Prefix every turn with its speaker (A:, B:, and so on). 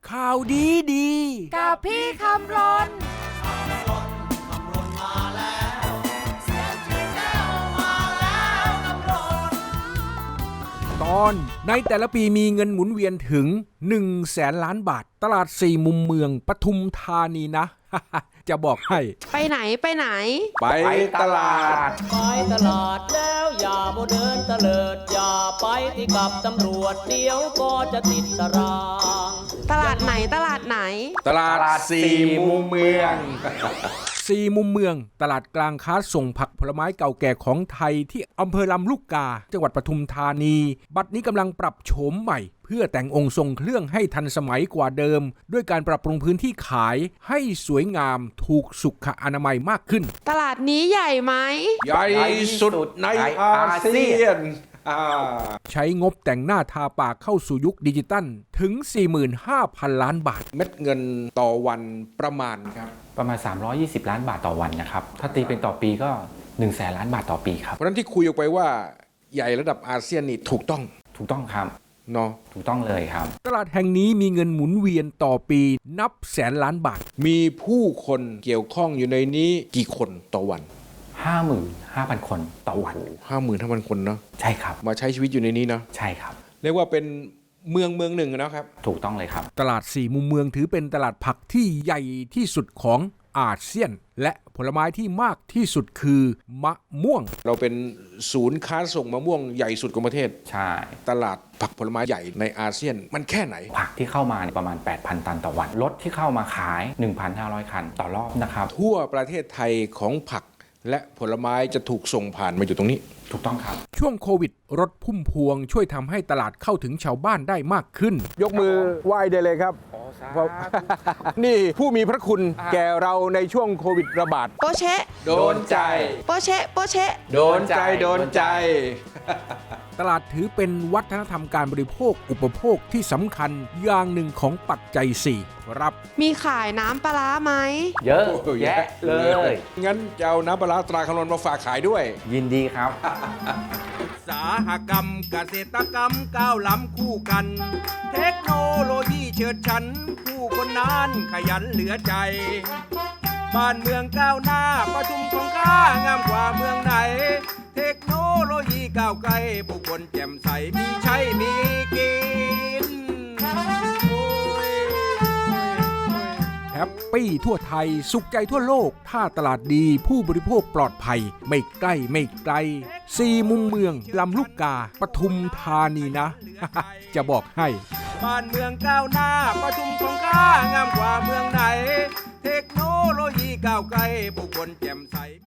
A: ข่าวดีดี
B: กับพี่คำรน
A: ตอนในแต่ละปีมีเงินหมุนเวียนถึง100,000 ล้านบาทตลาด4มุมเมืองปทุมธานีนะ จะบอกให้
B: ไปไหน
A: ไปตลาด
C: แล้วอย่าโมเดินเตลิดอย่าไปที่กับตำรวจเดี๋ยวก็จะติดตาราง
B: ตลาดไหน
A: ตลาดสี่มุมเมืองสี่มุมเมืองตลาดกลางค้าส่งผักผลไม้เก่าแก่ของไทยที่อำเภอลำลูกกาจังหวัดปทุมธานีบัดนี้กำลังปรับโฉมใหม่เพื่อแต่งองค์ทรงเครื่องให้ทันสมัยกว่าเดิมด้วยการปรับปรุงพื้นที่ขายให้สวยงามถูกสุขอนามัยมากขึ้น
B: ตลาดนี้ใหญ่ไหม
A: ใหญ่สุดในอาเซียนใช้งบแต่งหน้าทาปากเข้าสู่ยุคดิจิตัลถึง 45,000 ล้านบาทเม็ดเงินต่อวันประมาณครับ
D: ประมาณ320 ล้านบาทต่อวันนะครับถ้าตีเป็นต่อปีก็100,000 ล้านบาทต่อปีครับ
A: เพราะฉะนั้นที่คุยออกไปว่าใหญ่ระดับอาเซียนนี่ถูกต้อง
D: ครับ
A: เนาะ
D: ถูกต้องเลยครับ
A: ตลาดแห่งนี้มีเงินหมุนเวียนต่อปีนับแสนล้านบาทมีผู้คนเกี่ยวข้องอยู่ในนี้กี่คนต่อวัน
D: 55,000 คนต่อวัน
A: 55,000 คนเนาะ
D: ใช่ครับ
A: มาใช้ชีวิตอยู่ในนี้เนาะ
D: ใช่ครับ
A: เรียกว่าเป็นเมืองหนึ่งนะครับ
D: ถูกต้องเลยครับ
A: ตลาดสี่มุมเมืองถือเป็นตลาดผักที่ใหญ่ที่สุดของอาเซียนและผลไม้ที่มากที่สุดคือมะม่วงเราเป็นศูนย์ค้าส่งมะม่วงใหญ่สุดของประเทศ
D: ใช่
A: ตลาดผักผลไม้ใหญ่ในอาเซียนมันแค่ไหน
D: ผักที่เข้ามาประมาณ 8,000 ตันต่อวันรถที่เข้ามาขาย 1,500 คันต่อรอบนะครับ
A: ทั่วประเทศไทยของผักและผลไม้จะถูกส่งผ่านมาอยู่ตรงนี้
D: ถูกต้องครับ
A: ช่วงโควิดรถพุ่มพวงช่วยทำให้ตลาดเข้าถึงชาวบ้านได้มากขึ้นยกมือไหว้ได้เลยครับนี่ผู้มีพระคุณแก่เราในช่วงโควิดระบาด
B: โปเชะ
A: โดนใจ
B: โปเชะ
A: โดนใจตลาดถือเป็นวัฒนธรรมการบริโภคอุปโภคที่สำคัญอย่างหนึ่งของปัจจัย4ครับ
B: มีขายน้ำปลาร้าไหม
D: เยอะแยะเลย
A: งั้นจะเอาน้ำปลาร้าตราคำนวณมาฝากขายด้วย
D: ยินดีครับ
A: อุตสาหกรรมเกษตรกรรมก้าวล้ำคู่กันเทคโนโลยีเฉิดฉันผู้คนนั้นขยันเหลือใจบ้านเมืองก้าวหน้าปทุมของข้างามกว่าเมืองไหนเทคโนโลยีก้าวไกลผู้คนแจ่มใสมีใช้มีกินแฮปปี้ทั่วไทยสุขใจทั่วโลกถ้าตลาดดีผู้บริโภคปลอดภัยไม่ใกล้ไม่ไกลสี่มุมเมืองลำลูกกาปทุมธานีนะ จะบอกให้บ้านเมืองก้าวหน้าปทุมของข้างามกว่าเมืองไหนเทคโนโลยีก้าวไกลผู้คนแจ่มใส